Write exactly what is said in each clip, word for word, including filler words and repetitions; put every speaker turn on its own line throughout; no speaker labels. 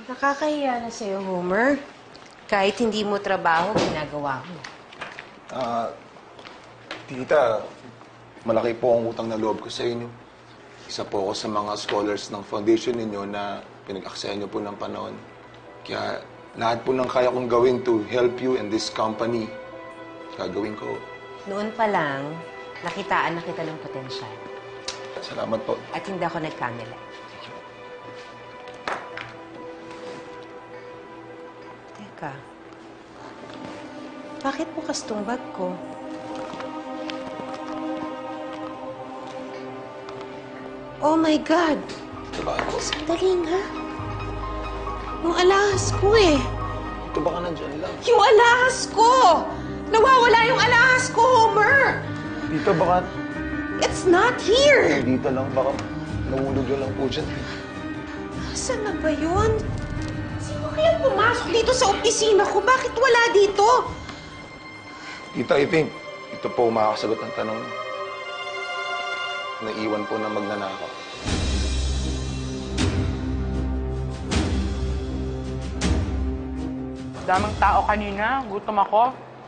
Nakakahiya na sa'yo, Homer. Kahit hindi mo trabaho, ginagawa mo.
Ah, tita, malaki po ang utang na loob ko sa inyo. Isa po ako sa mga scholars ng foundation ninyo na pinag-aksayan niyo po ng panahon. Kaya lahat po ng kaya kong gawin to help you and this company, gagawin ko.
Noon pa lang, nakitaan na kita ng potensyal.
Salamat po.
At hindi ako nagkamali. Teka, bakit bukas tong bag ko? Oh my God!
Ito ba ako?
Sandali nga. Yung alahas ko eh.
Ito baka nandyan lang.
Yung alahas ko! Nawawala yung alahas ko, Homer!
Dito baka...
It's not here!
Dito lang, baka nahulog yun lang po dyan.
Saan na ba yun? Sino kaya pumasok dito sa opisina ko? Bakit wala dito?
Tita, I think ito po makakasagot ng tanong. Naiwan po na magnanakaw.
Daming tao kanina. Gutom ako.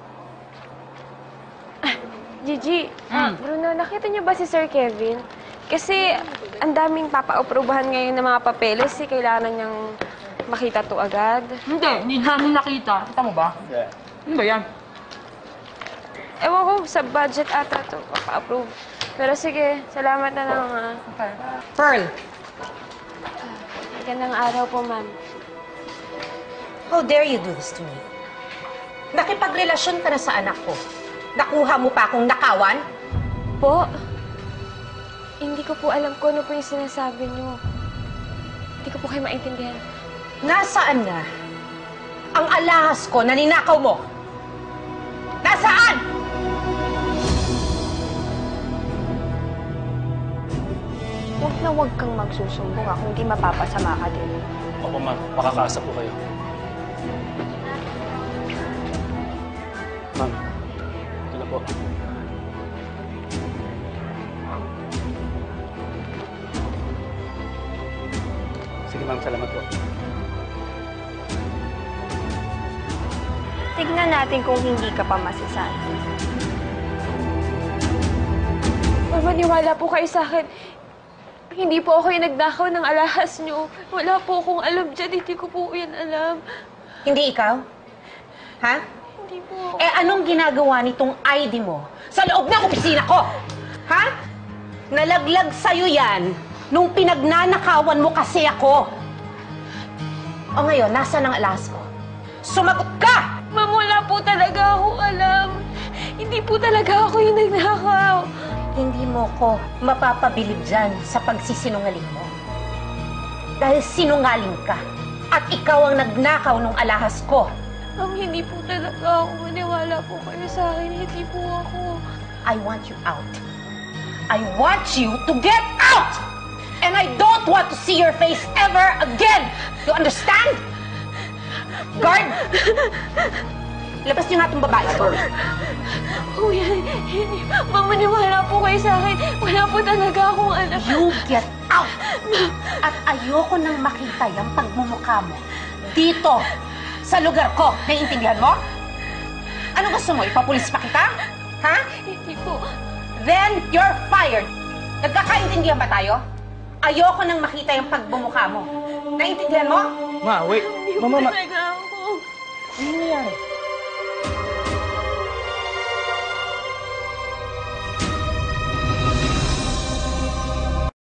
Gigi,
Mm.
Bruno, nakita niyo ba si Sir Kevin? Kasi ang daming papa-aprobahan ngayon ng mga papeles, eh, kailangan niyang makita to agad.
Hindi, hindi namin nakita. Kita mo ba?
Yeah.
Ano ba yan?
Ewan ko, sa budget ata to, papa-approve. Pero sige, salamat na lang, ha.
Okay.
Pearl,
Magandang araw po, ma'am.
how dare you do this to me? Nakipagrelasyon ka na sa anak ko. Nakuha mo pa akong nakawan?
Po, hindi ko po alam kung ano po yung sinasabi niyo. Hindi ko po kayo maintindihan.
Nasaan na ang alahas ko na ninakaw mo? Nasaan?
Huwag na huwag kang magsusumbong ako, hindi mapapasama ka din.
Opo, ma'am. Makakaasa po kayo. Ma'am, ito na po. Sige, ma'am. Salamat po.
Tignan natin kung hindi ka pa masasali. Maniwala po kayo sa akin. Hindi po ako yung nagnakaw ng alahas niyo. Wala po akong alam dyan. Hindi ko po yan alam.
Hindi ikaw? Ha?
Hindi po.
Eh, anong ginagawa nitong I D mo sa loob ng opisina ko? Ha? Nalaglag sa'yo yan nung pinagnanakawan mo kasi ako. O ngayon, nasaan ang alahas mo? Sumagot ka!
Ma'am, wala po talaga akong alam. Hindi po talaga ako yung nagnakaw.
Hindi mo ko mapapabilib dyan sa pagsisinungaling mo. Dahil sinungaling ka. At ikaw ang nagnakaw ng alahas ko.
Ma'am, hindi po talaga ako. Maniwala po kayo sa akin. Hindi po ako.
I want you out. I want you to get out! And I don't want to see your face ever again! You understand? Guard! Labas niyo nga itong babae ko.
Kuya, hindi. Ma'am, maniwala po kayo sa akin. Wala po talaga akong alam.
You get out! At ayoko nang makita yung pagmumukha mo dito, sa lugar ko. Naiintindihan mo? Ano gusto mo? Ipapulis pa kita? Ha?
Hindi po.
Then, you're fired. Nagkakaintindihan ba tayo? Ayoko nang makita yung pagbumukha mo. Naiintindihan mo?
Ma, wait.
Hindi
Mama,
po
ma...
talaga ako.
Ano nangyari?